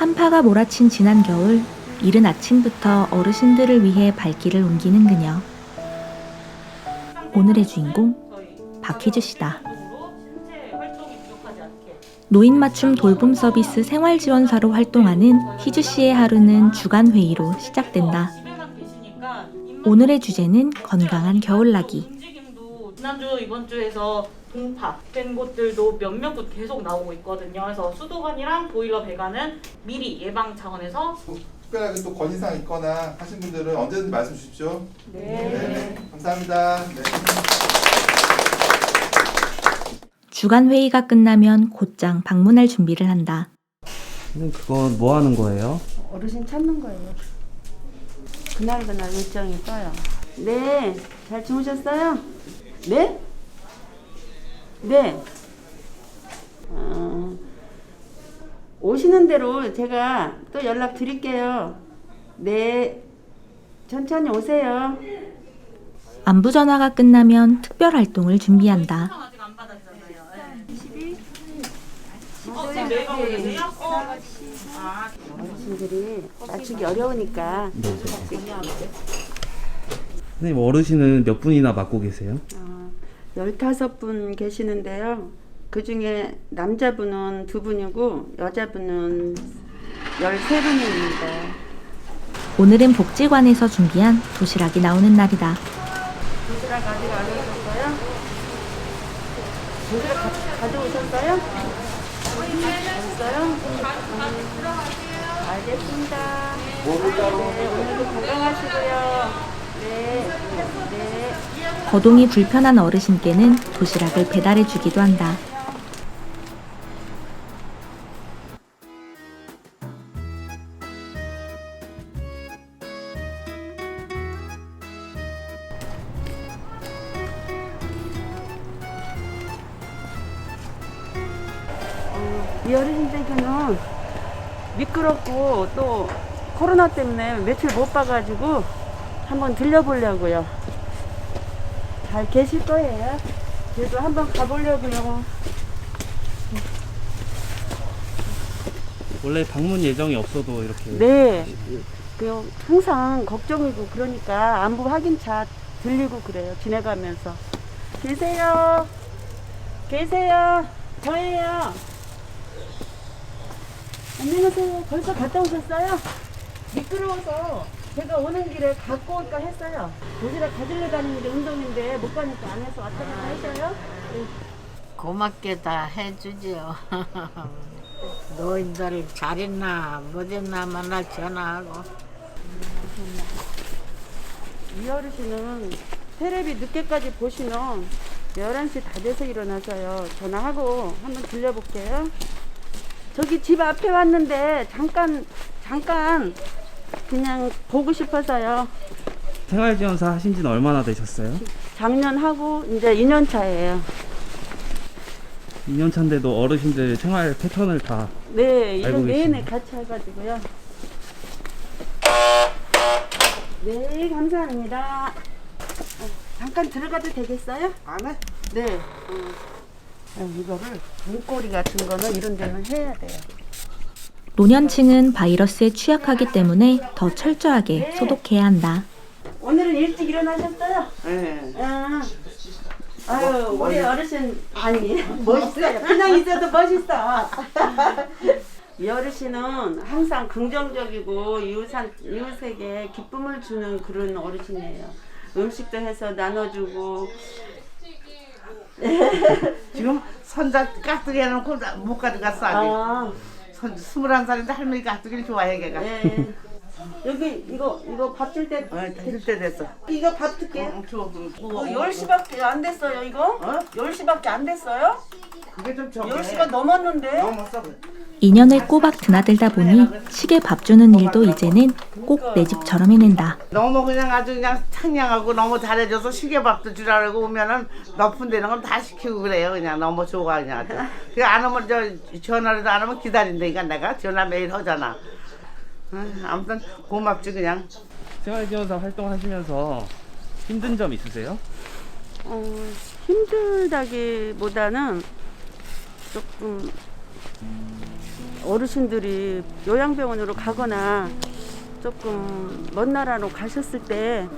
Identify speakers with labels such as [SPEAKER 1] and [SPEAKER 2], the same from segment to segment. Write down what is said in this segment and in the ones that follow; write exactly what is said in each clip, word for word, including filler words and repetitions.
[SPEAKER 1] 한파가 몰아친 지난 겨울, 이른 아침부터 어르신들을 위해 발길을 옮기는 그녀. 오늘의 주인공, 박희주 씨다. 노인 맞춤 돌봄 서비스 생활지원사로 활동하는 희주 씨의 하루는 주간 회의로 시작된다. 오늘의 주제는 건강한 겨울나기.
[SPEAKER 2] 지난주 이번 주에서 동파된 곳들도 몇몇 곳 계속 나오고 있거든요. 그래서 수도관이랑 보일러 배관은 미리 예방 차원에서
[SPEAKER 3] 특별하게 또 건의사항 있거나 하신 분들은 언제든지 말씀 주십시오.
[SPEAKER 2] 네.
[SPEAKER 3] 네. 감사합니다. 네.
[SPEAKER 1] 주간 회의가 끝나면 곧장 방문할 준비를 한다.
[SPEAKER 4] 선생님 그건 뭐 하는 거예요?
[SPEAKER 5] 어르신 찾는 거예요. 그날 그날 일정이 떠요. 네, 잘 주무셨어요? 네? 네. 어, 오시는 대로 제가 또 연락 드릴게요. 네, 천천히 오세요.
[SPEAKER 1] 안부 전화가 끝나면 특별 활동을 준비한다.
[SPEAKER 2] 아직 안 받았잖아요.
[SPEAKER 5] 이십이.
[SPEAKER 2] 어, 지금 내일 가고 계세요? 어. 아,
[SPEAKER 5] 어르신들이 맞추기 어려우니까.
[SPEAKER 4] 네. 선생님 어르신은 몇 분이나 맡고 계세요?
[SPEAKER 5] 어, 열다섯 분 계시는데요. 그 중에 남자분은 두 분이고 여자분은 열세 분입니다.
[SPEAKER 1] 오늘은 복지관에서 준비한 도시락이 나오는 날이다.
[SPEAKER 5] 도시락 아직 안 오셨어요? 도시락 가, 가져오셨어요? 없어요? 알겠습니다. 네, 오늘도 건강하시고요. 네, 네.
[SPEAKER 1] 거동이 불편한 어르신께는 도시락을 배달해 주기도 한다.
[SPEAKER 5] 이 어르신들께는 미끄럽고 또 코로나 때문에 며칠 못 봐가지고 한번 들려보려고요. 잘 계실 거예요. 그래도 한번 가보려고요.
[SPEAKER 4] 원래 방문 예정이 없어도 이렇게
[SPEAKER 5] 네. 그 항상 걱정이고 그러니까 안부 확인차 들리고 그래요. 지내가면서. 계세요. 계세요. 저예요. 안녕하세요. 벌써 갔다 오셨어요? 미끄러워서 제가 오는 길에 갖고 올까 했어요. 도시락 가지러 다니는 게 운동인데 못 가니까 안 해서 왔다 갔다 하셔요? 네.
[SPEAKER 6] 고맙게 다 해주죠. 노인들 잘했나 못했나 맨날 전화하고.
[SPEAKER 5] 이 어르신은 테레비 늦게까지 보시면 열한 시 다 돼서 일어나서요. 전화하고 한번 들려볼게요. 저기 집 앞에 왔는데 잠깐 잠깐 그냥 보고 싶어서요.
[SPEAKER 4] 생활지원사 하신 지는 얼마나 되셨어요?
[SPEAKER 5] 작년 하고 이제 이 년 차예요.
[SPEAKER 4] 이 년 차인데도 어르신들 생활 패턴을 다
[SPEAKER 5] 네, 일
[SPEAKER 4] 알고
[SPEAKER 5] 년 내내
[SPEAKER 4] 계시네.
[SPEAKER 5] 같이 해가지고요. 네, 감사합니다. 어, 잠깐 들어가도 되겠어요?
[SPEAKER 7] 안 해?
[SPEAKER 5] 네. 어, 이거를 문고리 같은 거는 이런 데는 해야 돼요.
[SPEAKER 1] 노년층은 바이러스에 취약하기 때문에 더 철저하게 소독해야 한다.
[SPEAKER 5] 오늘은 일찍 일어나셨어요?
[SPEAKER 7] 네.
[SPEAKER 5] 아, 아유, 우리 어르신 아니 멋있어요. 그냥 있어도 멋있어. 이 어르신은 항상 긍정적이고 이웃한, 이웃에게 기쁨을 주는 그런 어르신이에요. 음식도 해서 나눠주고.
[SPEAKER 7] 지금 손자 깍두기 해놓고 못 가져갔어 아직.
[SPEAKER 5] 아,
[SPEAKER 7] 손 스물한 살인데 할머니 깍두기를 좋아해 걔가.
[SPEAKER 5] 네. 여기 이거 이거 밥 줄 때.
[SPEAKER 7] 어, 해줄 때 됐어.
[SPEAKER 5] 이거 밥 줄게.
[SPEAKER 7] 응, 줘. 그,
[SPEAKER 5] 어, 열 시밖에 안 됐어요, 이거?
[SPEAKER 7] 어?
[SPEAKER 5] 열 시밖에 안 됐어요?
[SPEAKER 7] 그게 좀 적어.
[SPEAKER 5] 열 시가 넘었는데?
[SPEAKER 7] 넘었어.
[SPEAKER 1] 이 년을 꼬박 드나들다 보니 시계 밥 주는 일도 이제는 꼭 내 집처럼 해낸다.
[SPEAKER 7] 너무 그냥 아주 그냥 상냥하고 너무 잘해줘서 시계밥도 주라고 오면은 높은 데는 건 다 시키고 그래요. 그냥 너무 좋아 그냥 아주. 그안 오면 저 전화라도 안 오면 기다린다니까 내가 전화 매일 하잖아. 응, 아무튼 고맙지 그냥.
[SPEAKER 4] 생활지원사 활동하시면서 힘든 점 있으세요?
[SPEAKER 5] 어, 힘들다기보다는 조금 어르신들이 요양병원으로 가거나 조금 먼 나라로 가셨을 때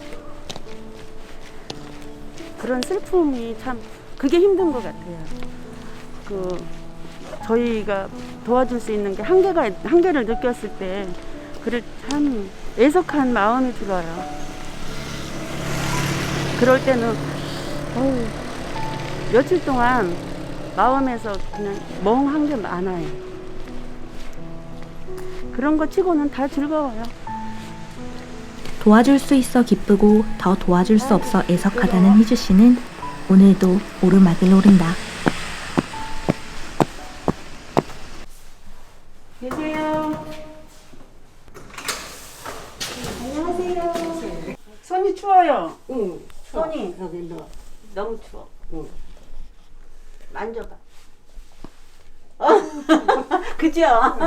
[SPEAKER 5] 그런 슬픔이 참 그게 힘든 것 같아요. 그 저희가 도와줄 수 있는 게 한계가 한계를 느꼈을 때 그를 참 애석한 마음이 들어요. 그럴 때는 어우, 며칠 동안 마음에서 그냥 멍한 게 많아요. 그런 거 치고는 다 즐거워요.
[SPEAKER 1] 도와줄 수 있어 기쁘고 더 도와줄 수 없어 애석하다는 희주 씨는 오늘도 오르막을 오른다.
[SPEAKER 5] 계세요. 안녕하세요. 손이 추워요.
[SPEAKER 6] 응.
[SPEAKER 5] 손이
[SPEAKER 6] 여기 넣어.
[SPEAKER 5] 너무 추워.
[SPEAKER 6] 응.
[SPEAKER 5] 만져봐. 그죠?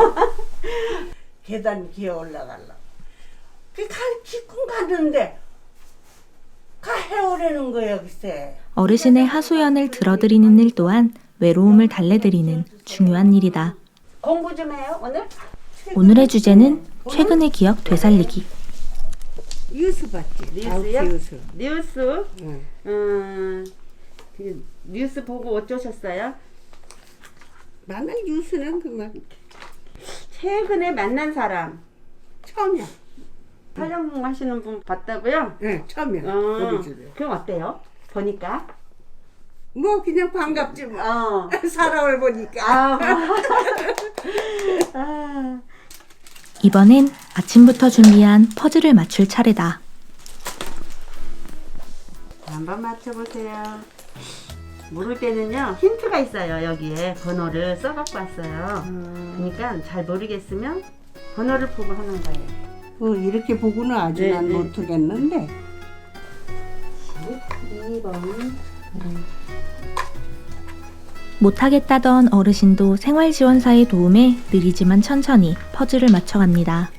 [SPEAKER 6] 계단 기어 올라갈라. 그갈 기꾼 갔는데 가 해오려는 거야 글쎄.
[SPEAKER 1] 어르신의 하소연을 들어드리는 일 또한 외로움을 달래드리는 중요한 일이다.
[SPEAKER 5] 공부 좀 해요 오늘?
[SPEAKER 1] 오늘의 주제는 최근의 기억 되살리기.
[SPEAKER 6] 뉴스 봤지?
[SPEAKER 5] 뉴스요?
[SPEAKER 6] 아홉 시 뉴스.
[SPEAKER 5] 뉴스.
[SPEAKER 6] 응.
[SPEAKER 5] 음, 그 뉴스 보고 어쩌셨어요?
[SPEAKER 6] 만날 뉴스는 그만
[SPEAKER 5] 최근에 만난 사람
[SPEAKER 6] 처음이야.
[SPEAKER 5] 촬영하시는 분 봤다고요?
[SPEAKER 6] 응, 처음이야.
[SPEAKER 5] 어,
[SPEAKER 6] 우리 집에.
[SPEAKER 5] 그럼 어때요? 보니까?
[SPEAKER 6] 뭐 그냥 반갑지 뭐.
[SPEAKER 5] 어.
[SPEAKER 6] 사람을 보니까.
[SPEAKER 5] 아, 아.
[SPEAKER 1] 이번엔 아침부터 준비한 퍼즐을 맞출 차례다.
[SPEAKER 5] 한번 맞춰보세요. 모를 때는요 힌트가 있어요. 여기에 번호를 써갖고 왔어요. 그러니까 잘 모르겠으면 번호를 보고 하는 거예요.
[SPEAKER 6] 어, 이렇게 보고는 아주
[SPEAKER 5] 네,
[SPEAKER 6] 난
[SPEAKER 5] 네.
[SPEAKER 6] 못하겠는데.
[SPEAKER 5] 이 번.
[SPEAKER 1] 못하겠다던 어르신도 생활지원사의 도움에 느리지만 천천히 퍼즐을 맞춰갑니다.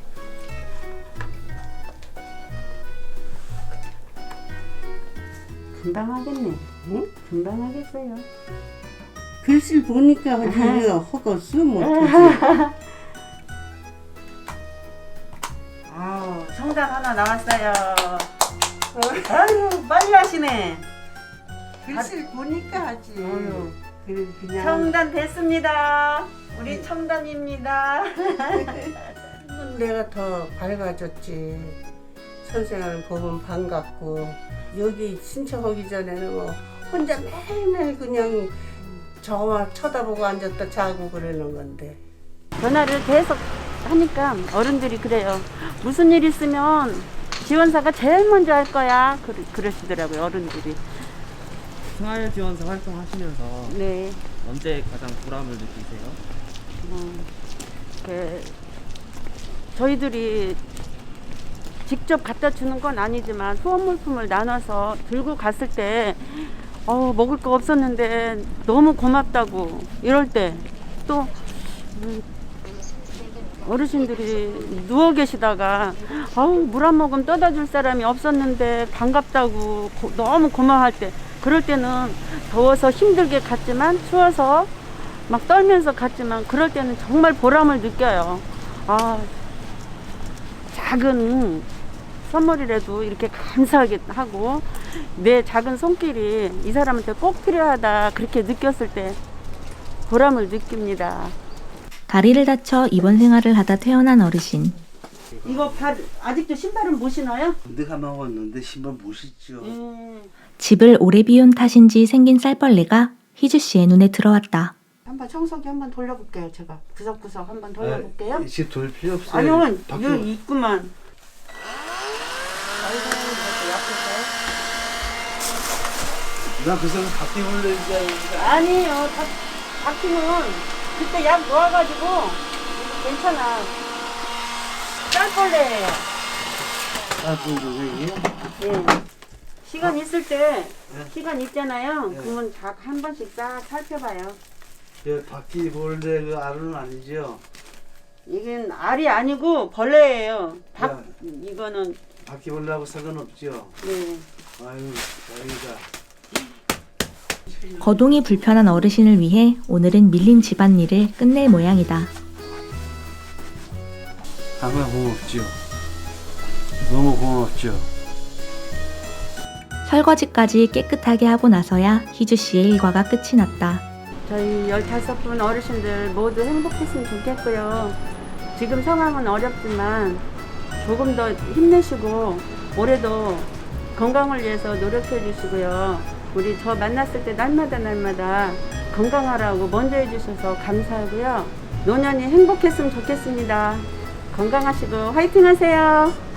[SPEAKER 5] 금방 하겠네. 응? 금방 하겠어요.
[SPEAKER 6] 글씨를 보니까 하지 허겄어 못하지.
[SPEAKER 5] 아우, 정답 하나 나왔어요. 아유, 빨리 하시네.
[SPEAKER 6] 글씨를 보니까 하지.
[SPEAKER 5] 어휴.
[SPEAKER 6] 그래 그냥
[SPEAKER 5] 청단 됐습니다. 우리 청단입니다.
[SPEAKER 6] 내가 더 밝아졌지. 선생을 보면 반갑고 여기 신청하기 전에는 뭐 혼자 매일매일 그냥 저만 쳐다보고 앉았다 자고 그러는 건데.
[SPEAKER 5] 전화를 계속 하니까 어른들이 그래요. 무슨 일 있으면 지원사가 제일 먼저 할 거야. 그러, 그러시더라고요, 어른들이.
[SPEAKER 4] 생활지원사 활동하시면서
[SPEAKER 5] 네.
[SPEAKER 4] 언제 가장 보람을 느끼세요?
[SPEAKER 5] 어, 그, 저희들이 직접 갖다 주는 건 아니지만 후원 물품을 나눠서 들고 갔을 때 어, 먹을 거 없었는데 너무 고맙다고 이럴 때 또 음, 어르신들이 누워 계시다가 아우 물 한 모금 떠다 줄 사람이 없었는데 반갑다고 고, 너무 고마워할 때 그럴 때는 더워서 힘들게 갔지만 추워서 막 떨면서 갔지만 그럴 때는 정말 보람을 느껴요. 아, 작은 선물이라도 이렇게 감사하게 하고 내 작은 손길이 이 사람한테 꼭 필요하다 그렇게 느꼈을 때 보람을 느낍니다.
[SPEAKER 1] 다리를 다쳐 입원 생활을 하다 퇴원한 어르신.
[SPEAKER 5] 이거 발 아직도 신발은 못 신어요?
[SPEAKER 8] 내가 먹었는데 신발 못 신죠.
[SPEAKER 5] 음.
[SPEAKER 1] 집을 오래 비운 탓인지 생긴 쌀벌레가 희주 씨의 눈에 들어왔다.
[SPEAKER 5] 한번 청소기 한번 돌려볼게요. 제가 구석구석 한번 돌려볼게요.
[SPEAKER 8] 아, 지금 돌 필요 없어요.
[SPEAKER 5] 아니요,
[SPEAKER 8] 밖에
[SPEAKER 5] 여기 있구만.
[SPEAKER 8] 나 그래서 밖에 올려야지.
[SPEAKER 5] 아니에요. 다, 바퀴는 그때 약 놓아가지고 이거 괜찮아. 쌀벌레예요.
[SPEAKER 8] 아, 그게
[SPEAKER 5] 예. 시간 있을 때 시간 있잖아요. 그러면 다 한 번씩 싹 살펴봐요.
[SPEAKER 8] 그 바퀴 볼래 그 알은 아니죠?
[SPEAKER 5] 이건 알이 아니고 벌레예요. 박 이거는
[SPEAKER 8] 바퀴 볼래하고 상관없죠?
[SPEAKER 5] 네.
[SPEAKER 8] 아유, 다행이다.
[SPEAKER 1] 거동이 불편한 어르신을 위해 오늘은 밀린 집안일을 끝낼 모양이다.
[SPEAKER 8] 정말 고맙죠. 너무 고맙죠.
[SPEAKER 1] 설거지까지 깨끗하게 하고 나서야 희주 씨의 일과가 끝이 났다.
[SPEAKER 5] 저희 열다섯 분 어르신들 모두 행복했으면 좋겠고요. 지금 상황은 어렵지만 조금 더 힘내시고 올해도 건강을 위해서 노력해 주시고요. 우리 저 만났을 때 날마다 날마다 건강하라고 먼저 해주셔서 감사하고요. 노년이 행복했으면 좋겠습니다. 건강하시고 화이팅 하세요.